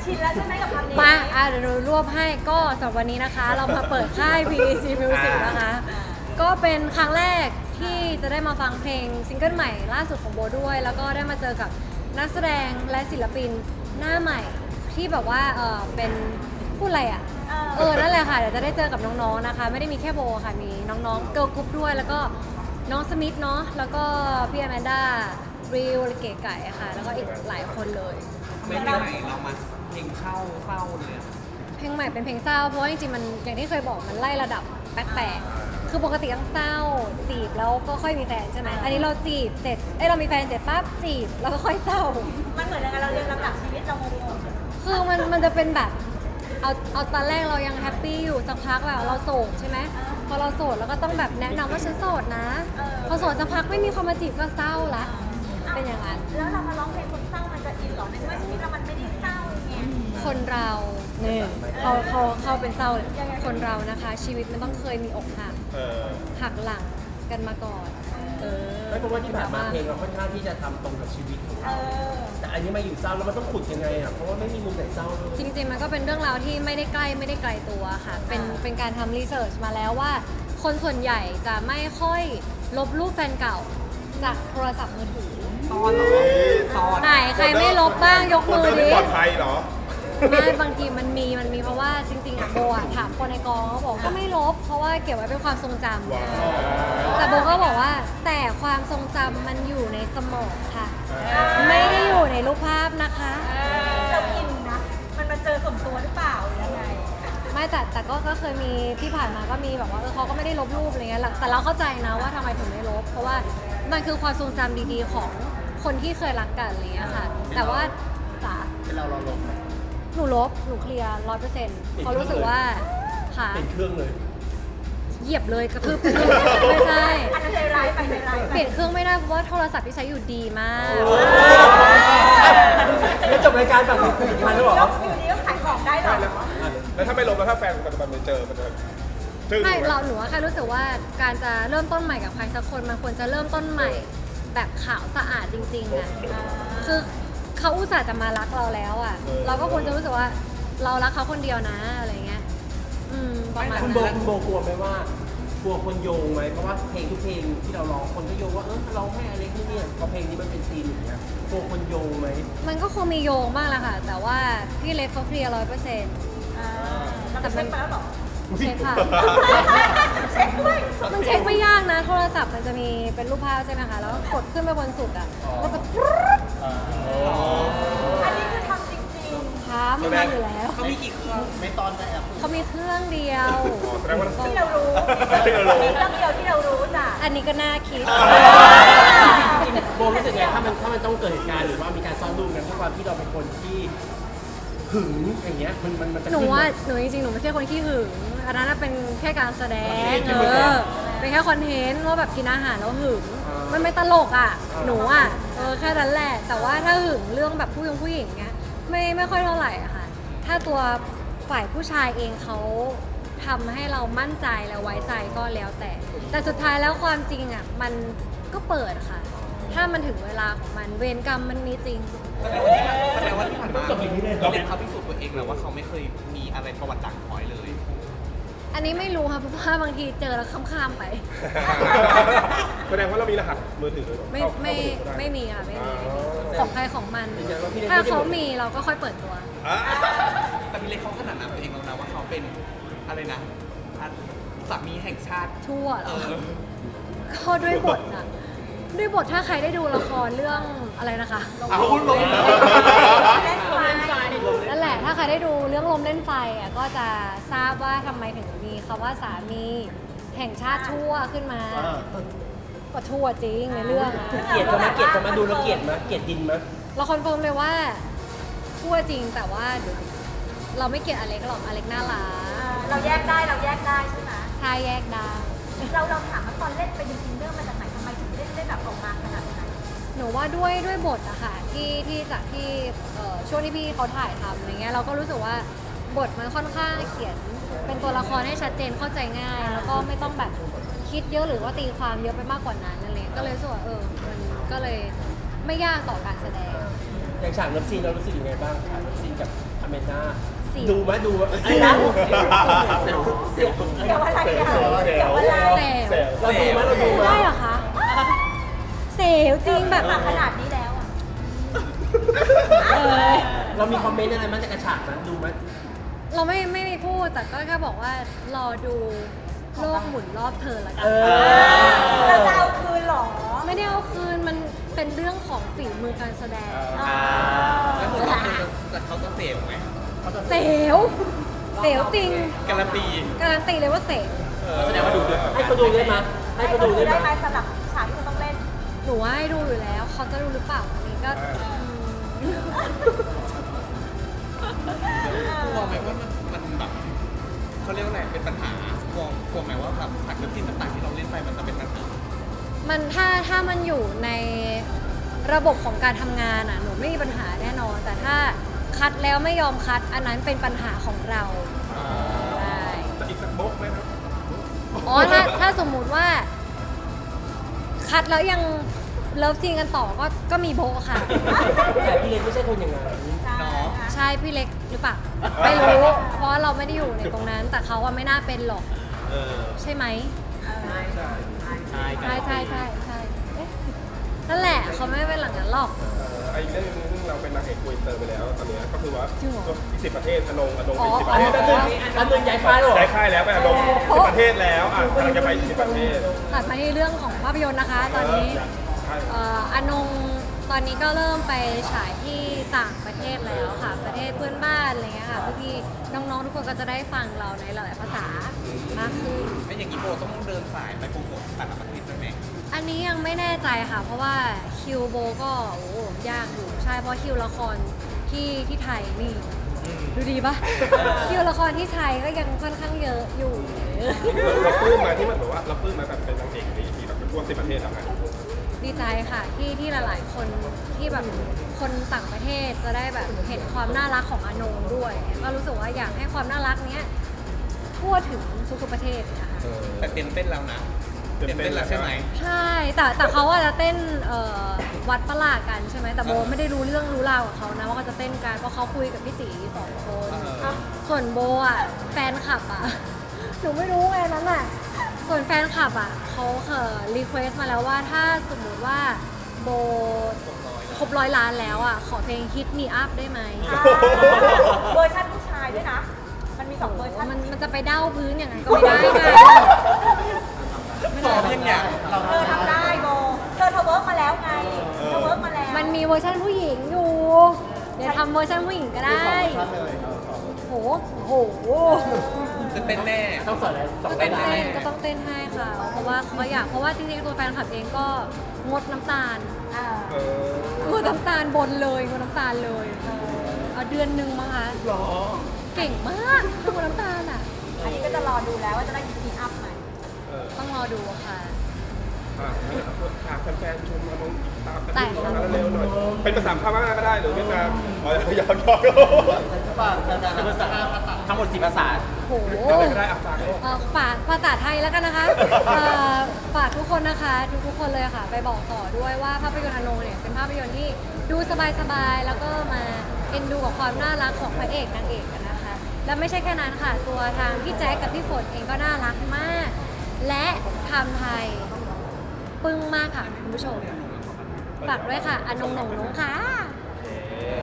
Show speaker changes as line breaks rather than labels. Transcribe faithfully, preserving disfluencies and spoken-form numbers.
ชินแล้วใช่ไหมกับคำนี้
มาอ่ะเดี๋ยวเรารวบให้ก็สำหรับวันนี้นะคะ เรามาเปิดค่าย พี อี ซี Music นะคะ ก็เป็นครั้งแรกที่จะได้มาฟังเพลงซิงเกิลใหม่ล่าสุดของโบด้วย แล้วก็ได้มาเจอกับนักแสดงและศิลปินหน้าใหม่ที่แบบว่าเออเป็นพูดอะไรอ่ะ เออ นั่นแหละค่ะ เดี๋ยวจะได้เจอกับน้องๆ นะคะ ไม่ได้มีแค่โบค่ะ มีน้องๆ เกิร์ลกรุ๊ปด้วย แล้วก็น้องสมิธเนาะ แล้วก็พี่แอมแมนด้าริวเก๋ไก่ค่ะ แล้วก็อีกหลายคนเลย
ไม่เพลงใหม่เรามาเพลงเช่าเศร้าเลยอะ
เพลงใหม่เป็นเพลงเศร้า เพราะว่าจริงๆ มันอย่างที่เคยบอกมันไล่ระดับแปลกๆ คือปกติต้องเศร้าจีบแล้วก็ค่อยมีแฟนใช่ไหม อันนี้เราจีบเสร็จ เอ้ยเรามีแฟนเสร็จปั๊บจีบแล้วก็ค่อยเศร้า
มันเหมือนกันเราเรียนลำดับชีวิตเรางง
คือมันมันจะเป็นแบบเอาเอาตอนแรกเรายังแฮปปี้อยู่สักพักแบบเราโสดใช่ไหมพอเราโสดเราก็ต้องแบบแนะนำว่าฉันโสดนะ พอโสดสักพักไม่มีคนมาจีบก็เศร้าละเป็นอย่างนั้น
ๆแล้วเรามาร้องเพลงคนเศร้ามันจะอินเหรอในเมื่อชีวิตเรามันไม่ได้เศร้าไง
คนเราเนี่ยเขาเขาเขาเป็นเศร้าเลยคนเรานะคะ ชีวิตมันต้องเคยมีอกหัก
เออ
หักหลังกันมาก่อนเออ
ไม่เพราะว่าที่ผ่านมาเพลงเราค่อนข้างที่จะทำตรงกับชีวิตของ
เอ
เรา
อ
แต่อันนี้มาอยู่เศร้าแล้วมันต้องขุดยังไงอ่ะเพราะว่าไม่มีมุมไหนเศร้าเลย
จริงๆมันก็เป็นเรื่องราวที่ไม่ได้ใกล้ไม่ได้ไกลตัวค่ะ เป็นเป็นการทำรีเสิร์ชมาแล้วว่า คนส่วนใหญ่จะไม่ค่อยลบรูปแฟนเก่าจากโทรศัพท์มือถือ
ตอนเหรอตอน
ไหนใครไม่ลบบ้างยกมือ
คนเดิน
ดิ
ไม่ปลอดภัยเหรอ
ไม่บางทีมันมีมันมีเพราะว่าจริงๆอะโบอะถามคนในกองเขาบอกก็ไม่ลบ เพราะว่าเก็บไว้เป็นความทรงจำ
ว้าว
แต่โบก็บอกว่าแต่ความทรงจำมันอยู่ในสมองค่ะ ไม่ได้อยู่ในรูปภาพนะคะ
เราอินนะ มันมาเจอสมตัวหรือเปล่าหรือยังไง
ไม่แต่แต่ก็ก็เคยมีที่ผ่านมาก็มีแบบว่าเออเขาก็ไม่ได้ลบรูปอะไรเงี้ยแต่เราเข้าใจนะว่าทำไมถึงไม่ลบ เพราะว่ามันคือความทรงจำดีๆของคนที่เคยรักกันอะไรเงี้ยค่ะ แต่ว่าจ๋า
เป็นเราเราลงไหม
หนูลบหนูเคลียร์ร้อยเปอร์เซ็นต์เพราะรู้สึกว่าค่ะ
เป็นเครื่องเลย
เหยียบเลยกระทืบไปเลยไม่ใช่
อันนั้นใจร้ายไปใจร้ายไป
เปลี่ยนเครื่องไม่ได้เพราะว่าโทรศัพท์ที่ใช้อยู่ดีมาก
แล้วจบรายการแบบผลิตภัณฑ์แล้วเหรอ
แล้วอยู่ดีก็ขายของได้เหรอ
แล้วถ้าไม่ลบแล้วถ้าแฟนปัจจุบันไปเจอมันจะจึ้ง
ไม่
ไหม
เราหนูว่าแค่รู้สึกว่าการจะเริ่มต้นใหม่กับใครสักคนมันควรจะเริ่มต้นใหม่แบบขาวสะอาดจริงๆอ่ะคือเขาอุตส่าห์จะมารักเราแล้วอ่ะ เราก็ควรจะรู้สึกว่าเรารักเขาคนเดียวนะอะไรเงี้ยอืมประมาณ
คุณโบ
นั้น
คุณโบกลัวไหมว่ากลัวคนโยงไหมเพราะว่าเพลงทุกเพลงที่เราร้องคนก็โยงว่าเออร้องให้อเล็กนี่เนี่ยพอเพลงนี้มันเป็นซีนอย่างเงี้ยกลัวคนโยงไหม
มันก็คงมีโยงบ้างแหละค่ะ แต่ว่าพี่เล็กเขาเคลียร์ร้อยเปอร์เซ็นต์
อ่าเราไปเช็คมาแล้วเหรอ
เช็คค่ะ
เช็คด้วย
มันเช็คไม่ยากนะ โทรศัพท์มันจะมีเป็นรูปภาพใช่ไหมคะ แล้วก็กดขึ้นไปบนสุดอ่ะ แล้วก็ปรึ๊ด
อันนี้คือทำจริง
ค้ามันทำอยู่แล้ว
เขามีกี่เครื่องไม่ตอนได้อะ
เขามีเครื่องเดียว
อ๋อแสดงว่า
ๆ ที่เรารู้
ที่เรารู้
มีเรื่องเดียวที่เรารู้จ้ะ
อันนี้ก็น่าคิด
จริงๆโบรู้สึกไงถ้ามันถ้ามันต้องเกิดเหตุการณ์หรือว่ามีการซ้อมดูกันด้วยความที่เราเป็นคนที่หึงอย่างเงี้ยมันมันมันจะ
หนู
ขึ้น
ว่า
ไหม
หนูจริงๆ หนูไม่ใช่คนขี้หึง อันนั้นนะเป็นแค่การแสดง เออ เป็นแค่คอนเทนต์ว่าแบบกินอาหารแล้วหึง มันไม่ตลกอ่ะ หนูอ่ะ เออแค่นั้นแหละ แต่ว่าถ้าหึงเรื่องแบบผู้หญิงผู้หญิงเงี้ย ไม่ไม่ค่อยเท่าไหร่อะค่ะ ถ้าตัวฝ่ายผู้ชายเองเขาทำให้เรามั่นใจและไว้ใจก็แล้วแต่ แต่สุดท้ายแล้วความจริงอ่ะมันก็เปิดค่ะ ถ้ามันถึงเวลาของมันเวรกรรมมันมีจริง
แสดงว่าที่ผ่านมา
จบอย่างนี้เลย
เราเล็กเขาพิสูจน์ตัวเองแล้วว่าเขาไม่เคยมีอะไรประวัติด่างพร้อยเลย
อันนี้ไม่รู้ค่ะเพราะว่าบางทีเจอแล้วข้ามๆไป
แสดงว่าเรามีรหัสมือถือ
ไม่
เข้า
ไม่
เข้าปดูก็ด้
ไม่มีค่ะไม่มี
อ๋อ
ของใครของมัน
ยืนยันว่าพี่เล็ก
ถ้า
ไม่ได้
เขามีเราก็ค่อยเปิดตัว
อ่ะ
แต่พี่เล็กเขาขนาดนั้นตัวเองแล้วนะว่าเขาเป็นอะไรนะสามีแห่งชาติ
ทั่วเหร
เอ
อ
อ
ก็ด้วยบทอะด้วยบทถ้าใครได้ดูละครเรื่องอะไรนะคะ
เอาคุณลง
เล่นไฟ
นั่นแหละถ้าใครได้ดูเรื่องลมเล่นไฟอะก็จะทราบว่าทำไมถึงมีคำว่าสามีแห่งชาติทั่วขึ้นมาก็ทั่วจริงในเรื่องอะ
เกลียดเขาไหมเกลียดเขาไหมดูแล้วเกลียดไหมเกลียดดินไหม
เราคอนเฟิร์มเลยว่าทั่วจริงแต่ว่าเราไม่เกลียดอเล็กหรอกอเล็กน่ารัก
เราแยกได้เราแยกได้ใช่ไหม
ชายแยกได้
เราเราถามว่าตอนเล่นไปจริงๆเรื่องมาจากไหนทำไมถึงเล่นได้แบบออกมาขนาดนั้น
หนูว่าด้วยด้วยบทอะค่ะที่ที่จากที่เอ่อช่วงที่พี่เขาถ่ายทำอะไรเงี้ยเราก็รู้สึกว่าบทมันค่อนข้างเขียนเป็นตัวละครให้ชัดเจนเข้าใจง่าย แล้วก็ไม่ต้องแบบคิดเยอะหรือว่าตีความเยอะไปมากกว่านั้นอะไรเงี้ยก็เลยรู้สึกว่าเออมันก็เลยไม่ยากต่อการแสดง
อ
อย่างฉากเลิฟซีนเรารู้สึกยังไงบ้างฉากเลิฟซีนกับอเมนดา
สิ
ดูไหมดูไหมอะไรนะเสียวเสียว
เกี่ยวอะไรอ่ะ
เสียว
เกี่ยวอะไร
เซล
เราดูไหมเราดูไหม
ได้เหรอคะเซลจริงแบบ
มาขนาดนี้แล้วอ่ะ
เออ
เรามีคอมเมนต์อะไรบ้างจากกระฉากนั้นดูไหม
เราไม่ไม่มีพูดแต่ก็แค่บอกว่ารอดูโลกหมุนรอบเธอละกั
เอน อ
เราจะเอาคืนเหรอ
ไม่ได้เอาคืนมันเป็นเรื่องของฝีมือการแสดง
อ่า
แล้วคุณว่าจะเขาจะเสพไหม
เซลเซลจริง
การันตี
การันตีเลยว่าเซล
แสดงว่าดูด้วยให้เขาดูได้ไหมให้เขาดูได้
ได้
ไห
ไห
ม
มสำหรับฉากที่คุณต้องเล่น
หนูว่าให้ดูอยู่แล้วเขาจะดูหรือเปล่าอันนี้ก็อืม
กลัวไหมว่ามันมันแบบเขาเรียกว่าอะไรเป็นปัญหากลัวกลัวไหมว่าแบบฉากเลิฟซีนต่างๆที่เราเล่นไปมันจะเป็นปัญหา
มันถ้าถ้ามันอยู่ในระบบของการทำงานอ่ะหนูไม่มีปัญหาแน่นอน แต่ถ้าคัดแล้วไม่ยอมคัด อันนั้นเป็นปัญหาของเราใช่
จะอีกสักโบ๊กไหมครับ
อ๋อถ้าถ้าสมมุติว่า คัดแล้วยังเลิฟซีนกันต่อก็ก็มีโบะค่ะ
แต่พี่เล็กไม่ใช่คนอย่างนั้น
ใช่
เนาะ
ใช่พี่เล็กหรือเปล่าไม่รู้ เพราะเราไม่ได้อยู่ในตรงนั้น แต่เขาอะไม่น่าเป็นหรอก
เออ
ใช่ไหม
ใช่
ใช่ใช่ใช่ใช่เอ๊ะนั่นแหละเขาไม่เป็นหลังนั้นหรอก
เอ่อไอ้เรื่องนึงซึ่งเราเป็นนางเอกคุยเตอร์ไปแล้วตอนเนี้ยก็คือว่า
จริงเหรอ
ที่สิบประเทศอนงอนง
อ๋อ
ไปสิบป
อั
ระ
น
เท
นี้
ศ
แป๊บนึงอันนึงย้ายค่ายแล้วเหรอ
ได้ค่ายแล้วไปอนงสิบประเทศแล้วอ่ะกำลังจะไปสิบประเทศ
ตัดมาที่เรื่องของภาพยนตร์นะคะ ตอนนี้
ใช่
เอ่ออนงตอนนี้ก็เริ่มไปฉายที่ต่างประเทศแล้วค่ะ ประเทศเพื่อนบ้านอะไรเงี้ยค่ะเพื่อที่น้องๆทุกคนก็จะได้ฟังเราในหลายๆภาษามากขึ้น
ไม่อย่างนี้โบต้องเดินสายไปโปรโมทต่างประเทศด้วยไหม
อันนี้ยังไม่แน่ใจค่ะ เพราะว่าคิวโบก็โอ้ยากอยู่ใช่เพราะคิวละครที่ที่ไทยนี่ดูดีปะ คิวละครที่ไทยก็ยังค่อนข้างเยอะอยู่
เราปลื้มมาที่มันแบบว่าเราปลื้มมาแบบเป็นนางเอกดีที่แบบเป็นทั่วสิบประเทศแล้วไง
ดีใจค่ะที่ที่หลายๆคนที่แบบคนต่างประเทศจะได้แบบเห็นความน่ารักของอานงด้วย ก็รู้สึกว่าอยากให้ความน่ารักเนี้ยทั่วถึงทุกๆประเทศนะคะ
แต่เต็มเต้นแล้วนะ
เต็มเต้นแล้วใช่ไหม
ใช่แต่แต่เขาว่าจะเต้นเอ่อวัดประหลาดกันใช่ไหมแต่โบไม่ได้รู้เรื่องรู้ราวกับเขานะว่าเขาจะเต้นกันเพราะเขาคุยกับพี่จีสองคน
เออ
ส่วนโบอ่ะแฟนคลับอ่ะ หนูไม่รู้ไงนั้นอ่ะส่วนแฟนคลับอ่ะเขาเออรีเควสมาแล้วว่าถ้าสมมุติว่าโบครบร้อยล้านแล้วอ่ะขอเพลง Hit Me Up ได้ไหม
อ่าเวอร์ชันผู้ชายด้วยนะ มันมีสองเวอร์ชัน
มันมันจะไปเด้าพื้นอย่างนั้นก็ไม่ได้ไง
ซ้อมยังเนี่ย
เธอทำได้โบเธอเธอเวิร์กมาแล้วไง เธอเวิร์กมาแล้ว
มันมีเวอร์ชันผู้หญิงอยู่ เดี๋ยวทำเวอร์ชันผู้หญิงก็ได้โหโห
จะเต้นแน่
ต้องสอนอะไรสอ
ก็
น
ต้
เต้
อน ง
ได้
เต้นก็ต้องเต้นให้ค่ะ เพราะว่าเขาอยากเพราะว่าจริงๆตัวแฟนคลับเองก็งดน้ำตาล
อ่า
เออ
งดน้ำตาลบนเลยงดน้ำตาลเลยเอาเดือนหนึ่งมั้งคะ
หรอ
เก่งมากงดน้ำตาลอ่ะ
อันนี้ก็จะรอดูแล้วว่าจะได้มีอัพไหม
เออ
ต้องรอดูค่ะ
อ่ะฝากแฟนๆชมอนงอีกตามกัน
แต่
ดูนะเร็วๆหน่อย เป็นภาษาพม่าก็ได้หรือเวียดนามอ๋อยอมยอม
ทั้งหมดสี่ภาษา
โห
อะไรก็ได้อ่ะฝากโลก
เอ่อฝากภาษาไทยแล้วกันนะคะเอ่อฝากทุกคนนะคะทุกทุกๆคนเลยค่ะ ไปบอกต่อด้วยว่าภาพยนตร์อนงเนี่ยเป็นภาพยนตร์ที่ดูสบายๆแล้วก็มาเอ็นดูกับความน่ารักของพระเอกนางเอกกันนะคะ และไม่ใช่แค่นั้นค่ะ ตัวทางพี่แจ๊คกับพี่ฝนเองก็น่ารักมาก และทำไทยปึ้งมากค่ะคุณผู้ชมฝากด้วยค่ะอนงหนงหนงค่ะ